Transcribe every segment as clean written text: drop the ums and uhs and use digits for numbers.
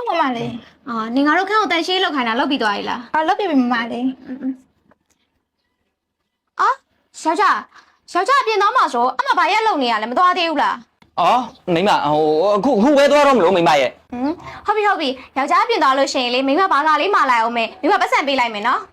ဟုတ်မမလေးနင်ငါတို့ခန့်ကိုတန်ရှင်းလောက်ခိုင်းတာလောက်ပြီးသွားပြီလားလောက်ပြပြီမမလေးယောက်ျားပြင်သွားမှာဆိုအမဘာရက်လုံနေရလဲမသွားသေးဘူးလားအော်မိမအခုဝဲသွားတော့မလို့မိမရဲ့ဟုတ်ပြီယောက်ျားပြင်သွားလို့ရှိရင်လေမိမဘာသာလေးမှာလိုက်အောင်မယ်မိမပတ်စံပေးလိုက်မယ်နော်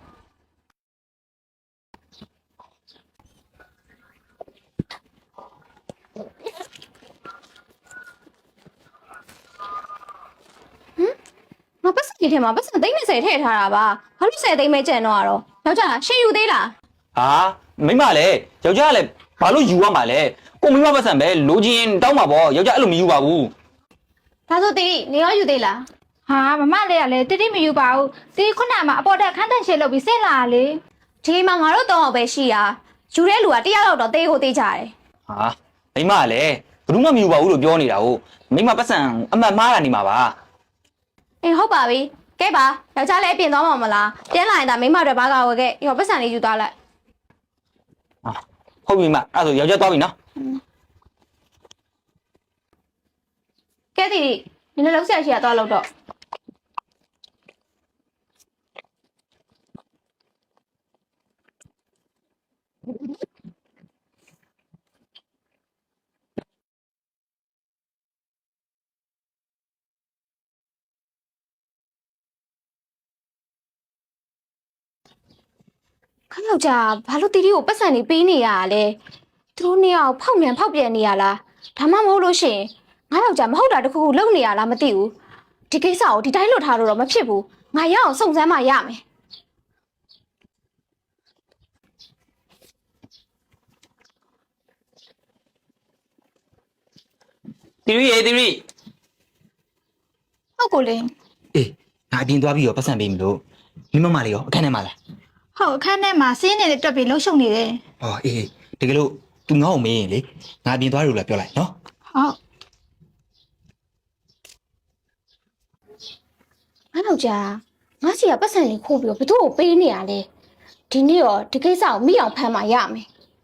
မပတ်စံဒီထဲမှာပတ်စံသိန်း20ထည့်ထားတာပါဘာလို့10သိန်းပဲကျန်တော့ရတော့ယောက်ျားရှင်းယူသေးလားဟာမိမလည်းယောက်ျားလည်းဘာလို့ယူရမှာလဲကိုမိမပတ်စံပဲလိုချင်တောင်းမှာပေါ့ယောက်ျားအဲ့လိုမယူပါဘူးဒါဆိုတီနေရောယူသေးလားဟာမမလေးကလည်းတိတိမယူပါဘူးတီခုနမှာအပေါ်တက်ခန်းတန့်ရှင်းလုပ်ပြီးဆင်းလာလေဒီမှာငါတို့3ယောက်ပဲရှိတာယူတဲ့လူက1ယောက်တော့တေးကိုတေးကြတယ်ဟာမိမလည်းဘယ်သူမှမယူပါဘူးလို့ပြောနေတာဟုတ်မိမပတ်စံအမှတ်မှားတာနေမှာပါဟုတ်ပါပြီကဲပါယောက်ျားလည်းပြင်သွားမှာမလားပြန်လာရင်ဒါမိမတို့ဘာကဝယ်ခဲ့ရောပတ်စံလေးယူသွားလိုက်ဟုတ်ပြီမိမအဲ့ဆိုယောက်ျားသွားပြီနော်ကဲတီနင်လည်းလောက်ဆက်ရှိရသွားလို့တော့ခဏကြာဘာလို့တီတီကိုပတ်စံနေပေးနေရလဲသူတို့နှစ်ယောက်ဖောက်ပြန်နေရလားဒါမှမဟုတ်လို့ရှိရင်ငါယောက်ျားမဟုတ်တာတခုခုလုပ်နေရလားမသိဘူးဒီကိစ္စကိုဒီတိုင်းလွတ်ထားလို့တော့မဖြစ်ဘူးငါရအောင်စုံစမ်းမှရမယ်တီရီဟုတ်ကိုလေးအေးငါအပြင်သွားပြီးတော့ပတ်စံပေးမလို့မိမလေးရောအခန်းထဲမှာလားဟုတ်အခန်းထဲမှာစင်းနေတဲ့တွက်ပြီးလှုပ်ရှုပ်နေတယ်ဟောအေးတကယ်လို့ तू ငါ့ကိုမေးရင်လေငါအပြင်သွားလို့လည်းပြောလိုက်နော်ဟုတ်ငါယောက်ျားငါစီကပတ်စံလေးခိုးပြီးတော့ဘသူ့ကိုပေးနေရလဲဒီနေ့ရောဒီကိစ္စကိုမိအောင်ဖမ်းမှရမယ်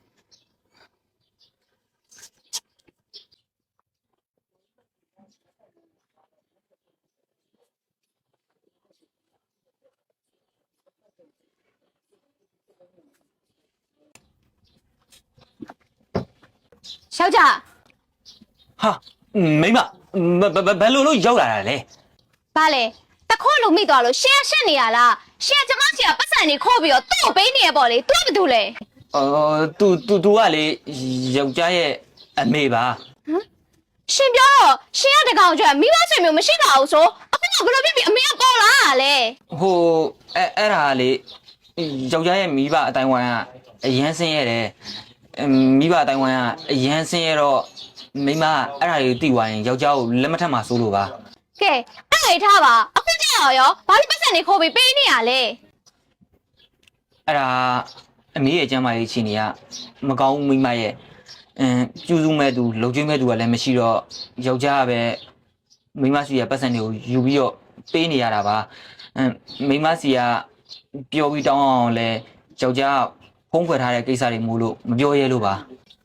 ယောက်ျားဟာမိမဘယ်လိုလို့ရောက်လာတာလဲဘာလဲတခွန်းလို့မိသွားလို့ရှင်းနေရလားရှင်းကျမစီကပတ်စံနေခိုးပြီးတော့သူ့ကိုပေးနေရပေါ့လေ तू ကဘာတူလဲ तू ကလေယောက်ျားရဲ့အမေပါရှင်ပြောတော့ရှင်ကတကောင်ကျွတ်မိဘဆွေမျိုးမရှိပါဘူးဆိုအခုကဘယ်လိုဖြစ်ပြီးအမေကပေါ်လာတာလဲဟိုအဲ့ဒါလေယောက်ျားရဲ့မိဘအတိုင်းဝိုင်းကအရန်ဆင်းရဲတယ်မိဘအတိုင်းဝိုင်းကအရန်ဆင်းရဲတော့မိမအဲ့ဒါတွေတိသွားရင်ယောက်ျားကိုလက်မထက်မှာစိုးလို့ပါကဲအဲ့ဒါထားပါအခုကြောက်ရောဘာလို့ပတ်စံနေခိုးပြီးပေးနေရလဲအဲ့ဒါအမေရဲ့ကျမ်းမာရေးချင်းတွေကမကောင်းမိမရဲ့ကျူးစုမဲ့သူလုံကျွေးမဲ့သူကလည်းမရှိတော့ယောက်ျားကပဲမိမစီကပတ်စံတွေကိုယူပြီးတော့ပေးနေရတာပါမိမစီကပြောပြီးတောင်းအောင်လဲယောက်ျားဖုံးခွဲထားတဲ့ကိစ္စတွေမို့လို့မပြောရဲလို့ပါ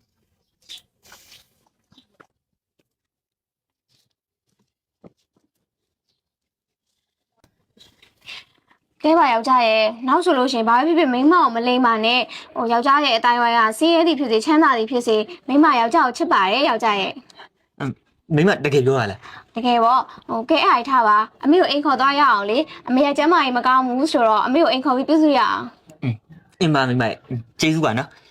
ကဲပါယောက်ျားရဲ့နောက်ဆိုလို့ရှိရင်ဘာဖြစ်ဖြစ်မိန်းမကိုမလိမ့်ပါနဲ့ဟိုယောက်ျားရဲ့အတိုင်းဝိုင်းကစီးရဲသည်ဖြစ်စေချမ်းသာသည်ဖြစ်စေမိန်းမယောက်ျားကိုချစ်ပါတယ်ယောက်ျားရဲ့မိမတကယ်ပြောရလားတကယ်ပေါ့ဟိုကဲအဲ့ထားပါအမေကိုအိမ်ခေါ်သွားရအောင်လေအမေကကျမ်းမာရေးမကောင်းဘူးဆိုတော့အမေကိုအိမ်ခေါ်ပြီးပြုစုရအောင်အင်းပါမိမကျေးဇူးပါနော်